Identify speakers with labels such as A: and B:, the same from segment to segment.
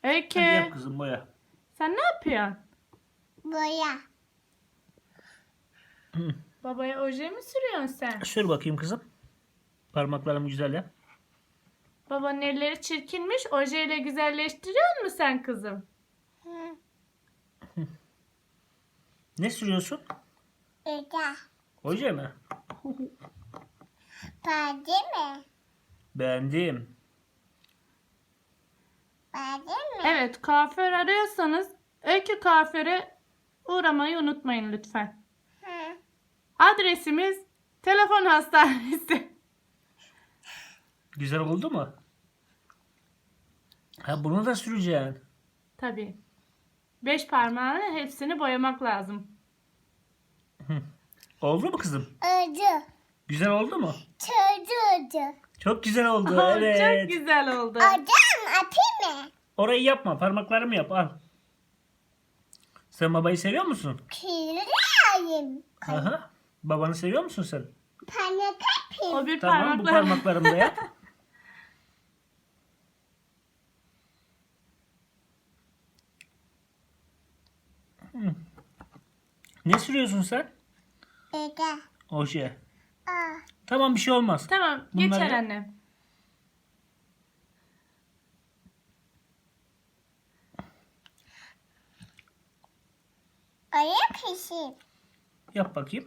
A: Öykü.
B: Hadi yap kızım, boya.
A: Sen ne yapıyorsun?
C: Boya.
A: Babaya oje mi sürüyorsun sen?
B: Sür bakayım kızım. Parmaklarımı güzel yap.
A: Babanın elleri çirkinmiş. Ojeyle güzelleştiriyor musun sen kızım?
C: Hı.
B: Ne sürüyorsun?
C: Eda.
B: Oje mi?
C: Perde mi?
B: Beğendim.
C: Perde mi?
A: Evet, kuaför arıyorsanız Öykü kuaföre uğramayı unutmayın lütfen.
C: Hı.
A: Adresimiz telefon hastanesi.
B: Güzel oldu mu? Ha, bunu da süreceksin.
A: Tabii. 5 parmağını hepsini boyamak lazım.
B: Oldu mu kızım?
C: Öldü.
B: Güzel oldu mu?
C: Çocuğu.
B: Çok güzel oldu.
A: Oh,
B: Evet.
A: Çok güzel oldu.
C: Adam atayım mı?
B: Orayı yapma. Parmaklarımı yap. Al. Sen babayı seviyor musun?
C: Kirayım.
B: Aha. Babanı seviyor musun sen?
C: Panik yapayım.
A: O bir
B: Tamam, bu
A: parmakla.
B: parmaklarımı da yap. Hı. Ne sürüyorsun sen?
C: Eda.
B: Oje.
C: Aa.
B: Tamam, bir şey olmaz.
A: Tamam,
B: Bunları
A: geçer
B: yap.
A: annem.
C: Ayak işi.
B: Yap bakayım.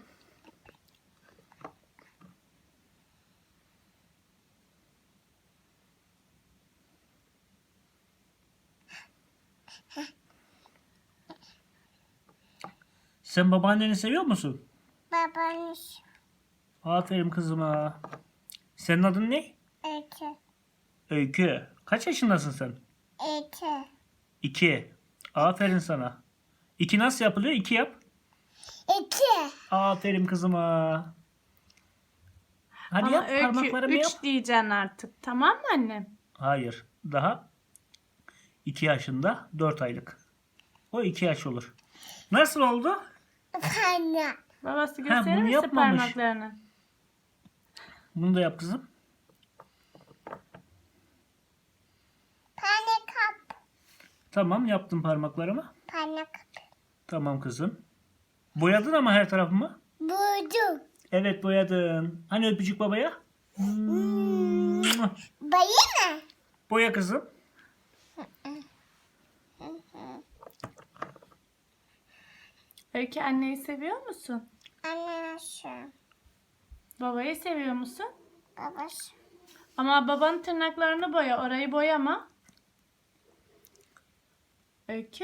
B: Sen babaanneni seviyor musun?
C: Babanız.
B: Aferin kızıma. Senin adın ne?
C: Ete.
B: Öykü. Kaç yaşındasın sen?
C: Ete.
B: 2. Aferin sana. 2 nasıl yapılıyor? 2 yap.
C: Ete.
B: Aferin kızıma. Hadi
A: Ama
B: yap,
A: Öykü
B: parmaklarımı
A: 3
B: yap.
A: diyeceksin artık. Tamam mı annem?
B: Hayır. Daha 2 yaşında 4 aylık. O 2 yaş olur. Nasıl oldu?
C: Panik.
A: Babası
B: bunu
A: gösterir misin
B: yapmamış.
A: parmaklarını?
B: Bunu da yap kızım.
C: Panik kap.
B: Tamam, yaptım parmaklarımı.
C: Panik.
B: Tamam kızım. Boyadın ama her tarafımı.
C: Buldum.
B: Evet, boyadın. Hani öpücük babaya?
C: Bayı mı?
B: Boya kızım.
A: Öykü anneyi seviyor musun?
C: Anlaşım.
A: Babayı seviyor musun?
C: Babası.
A: Ama babanın tırnaklarını boya. Orayı boyama. Öykü.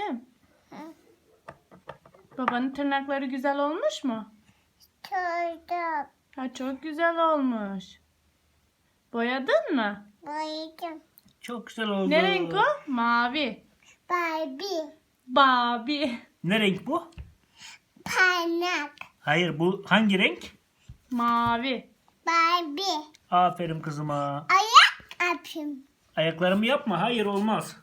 A: Babanın tırnakları güzel olmuş mu?
C: Çocuğum.
A: Ha, çok güzel olmuş. Boyadın mı?
C: Boyadım.
B: Çok güzel oldu.
A: Ne renk o? Mavi.
C: Barbie.
A: Babi.
B: Ne renk bu?
C: Panik.
B: Hayır, bu hangi renk?
A: Mavi.
C: Barbie.
B: Aferin kızıma.
C: Ayak yapayım.
B: Ayaklarımı yapma. Hayır, olmaz.